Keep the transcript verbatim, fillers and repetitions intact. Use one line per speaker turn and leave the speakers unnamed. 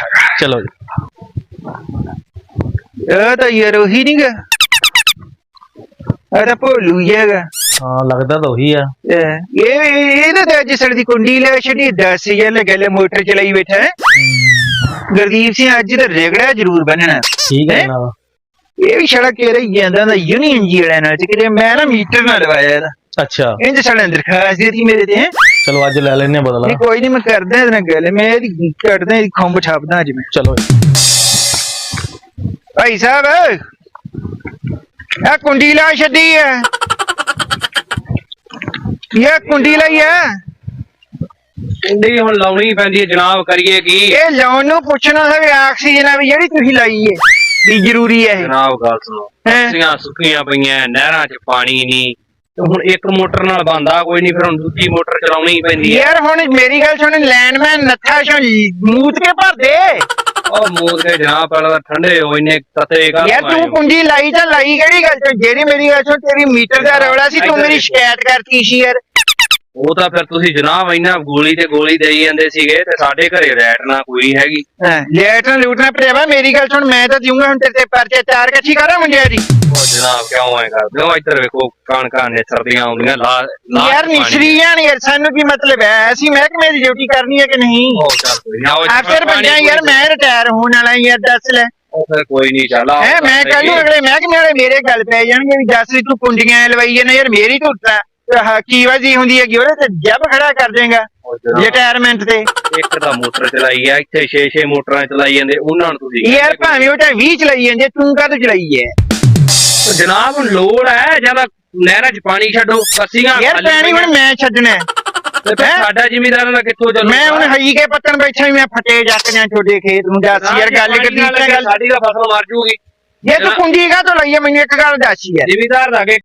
चलो जी
तो यार वही नहीं गा अरे भोलू ही है
हाँ लगता तो वही है
ये ये ना अज सड़ दी कुंडी ले छड़ी दस हजार लगे ले मोटर चलाई बैठा है गुरदीप सिंह अज तो रेगड़ा जरूर बनना
ठीक है ना
ये भी सड़क कह रही है यूनियन जी वाले नाल कि मैं ना मीटर ना लवाया
अच्छा
इंज साढ़े दरखास्त दी थी मेरे ते हैं
चलो अज ले लेने बदला
नहीं कोई नहीं मैं करदा इहदे नाल गल मैं इहदी कटदा इहदी खुंब छापदा अज मैं
चलो
भाई साहब ये कुंडी ला छड्डी है ये कुंडी लाई है
कुंडी हुण लाउणी पैंदी है जनाब करिए की
ये लाउण नूं पुछना है वी ऑक्सीजन है वी जेहड़ी तुसीं लाई है भी जरूरी है
जनाब गल सुनो पस्सियां सुक्कियां पईयां नहरां च पानी नहीं ਹੁਣ ਇੱਕ ਮੋਟਰ ਨਾਲ ਬੰਦਾ ਕੋਈ ਨਹੀਂ ਫਿਰ ਹੁਣ ਦੂਜੀ ਮੋਟਰ ਚਲਾਉਣੀ ਹੀ ਪੈਂਦੀ
ਯਾਰ ਹੁਣ ਮੇਰੀ ਗੱਲ ਸੁਣ ਲੈਂਡਮੈਨ ਨੱਥਾ ਚੋਂ ਮੂਤ ਕੇ ਭਰ ਦੇ
ਉਹ ਮੂਤ ਕੇ ਜਨਾਬ ਪਹਿਲਾਂ ਠੰਡੇ ਹੋ ਇੰਨੇ ਤਤੇ ਕਰ
ਯਾਰ ਤੂੰ ਕੁੰਡੀ ਲਾਈ ਤਾਂ ਲਾਈ ਕਿਹੜੀ ਗੱਲ ਤੋਂ ਜਿਹੜੀ ਮੇਰੀ ਗੱਲ ਸੁਣ ਤੇਰੀ ਮੀਟਰ ਦਾ ਰੌਲਾ ਸੀ ਤੂੰ ਮੇਰੀ ਸ਼ਿਕਾਇਤ ਕਰਤੀ ਸੀ ਯਾਰ
ਉਹ ਤਾਂ ਫਿਰ ਤੁਸੀਂ ਜਨਾਬ ਇੰਨਾ ਗੋਲੀ ਤੇ ਗੋਲੀ ਦੇਈ ਜਾਂਦੇ ਸੀਗੇ ਤੇ ਸਾਡੇ ਘਰੇ ਲੈਟ ਨਾ ਕੋਈ ਹੈਗੀ
ਲੈਟ ਨਾ ਲੂਟਣਾ ਭਰਾਵਾ ਮੇਰੀ ਗੱਲ ਸੁਣ ਮੈਂ ਤਾਂ ਦਿਉਂਗਾ ਹੁਣ ਤੇਰੇ ਤੇ ਪਰਚੇ ਚਾਰ ਇਕੱਠੀ ਕਰਾਂ ਮੁੰਡਿਆ ਜੀ
ਉਹ ਜਨਾਬ ਕਿਉਂ ਐ ਕਰਦੇ ਹੋ ਇੱਧਰ ਵੇਖੋ ਕਣਕਾਂ ਨੇ ਸਰਦੀਆਂ ਆਉਂਦੀਆਂ ਲਾ
ਯਾਰ ਨਿਸ਼ਰੀ ਜਾਣ ਯਾਰ ਸਾਨੂੰ ਕੀ ਮਤਲਬ ਹੈ ਅਸੀਂ ਮਹਿਕਮੇ ਦੀ ਡਿਊਟੀ ਕਰਨੀ ਹੈ ਕਿ ਨਹੀਂ
ਉਹ ਚੱਲ ਕੋਈ ਨਾ ਉਹ
ਆਖਿਰ ਬੰਦਾ ਯਾਰ ਮੈਂ ਰਿਟਾਇਰ ਹੋਣ ਵਾਲਾ ਯਾਰ ਦੱਸ ਲੈ
ਉਹ ਫਿਰ ਕੋਈ ਨਹੀਂ ਚੱਲ
ਹੈ ਮੈਂ ਕੱਲ ਨੂੰ ਅਗਲੇ ਮਹਿਕਮੇ ਵਾਲੇ ਮੇਰੇ ਗੱਲ ਪੈ ਜਾਣਗੇ ਵੀ ਦੱਸ ਵੀ ਤੂੰ ਕੁੰਡੀਆਂ ਲਵਾਈਏ ਨਾ ਯਾਰ ਮੇਰੀ ਧੁੱਤਾ ਕੀ ਵਜੀ ਹੁੰਦੀ ਹੈਗੀ ਉਹਦੇ ਤੇ ਜੱਬ ਖੜਾ ਕਰ ਦੇਗਾ ਰਿਟਾਇਰਮੈਂਟ ਤੇ
ਇੱਕ ਤਾਂ ਮੋਟਰ ਚਲਾਈ ਆ ਇੱਥੇ ਛੇ ਛੇ ਮੋਟਰਾਂ ਚਲਾਈ ਜਾਂਦੇ ਉਹਨਾਂ ਨੂੰ ਤੁਸੀਂ
ਯਾਰ ਭਾਵੇਂ ਉਹ ਤਾਂ ਵੀਹ ਚਲਾਈ ਜਾਂਦੇ ਤੂੰ ਕਾਹਤੋਂ ਚਲਾਈ ਹੈ
ਜਨਾਬ ਹੁਣ ਲੋੜ ਹੈ ਜਿਆਦਾ ਨਹਿਰਾਂ 'ਚ ਪਾਣੀ ਛੱਡੋ ਕੱਸੀਆਂ
ਯਾਰ ਪਾਣੀ ਹੁਣ ਮੈਂ ਛੱਡਣਾ
ਤੇ ਫਿਰ ਸਾਡਾ ਜ਼ਿਮੀਂਦਾਰਾਂ ਦਾ ਕਿੱਥੋਂ ਚੱਲੂ
ਮੈਂ ਹੁਣ ਹਈ ਕੇ ਪੱਤਣ ਬੈਠਾ ਵੀ ਮੈਂ ਫਟੇ ਜੱਕ ਜਾਂ ਛੋਡੇ ਖੇਤ ਨੂੰ ਦੱਸ ਯਾਰ ਗੱਲ ਕਰਦੀ
ਸਾਡੀ ਦਾ ਫਸਲ ਮਰ ਜੂਗੀ
ਜੇ ਤੂੰ ਕੁੰਡੀ ਕਾਹਤੋਂ ਲਈ ਹੈ ਮੈਨੂੰ ਇੱਕ ਗੱਲ ਦੱਸ ਯਾਰ
ਜ਼ਿਮੀਂਦਾਰ ਦਾ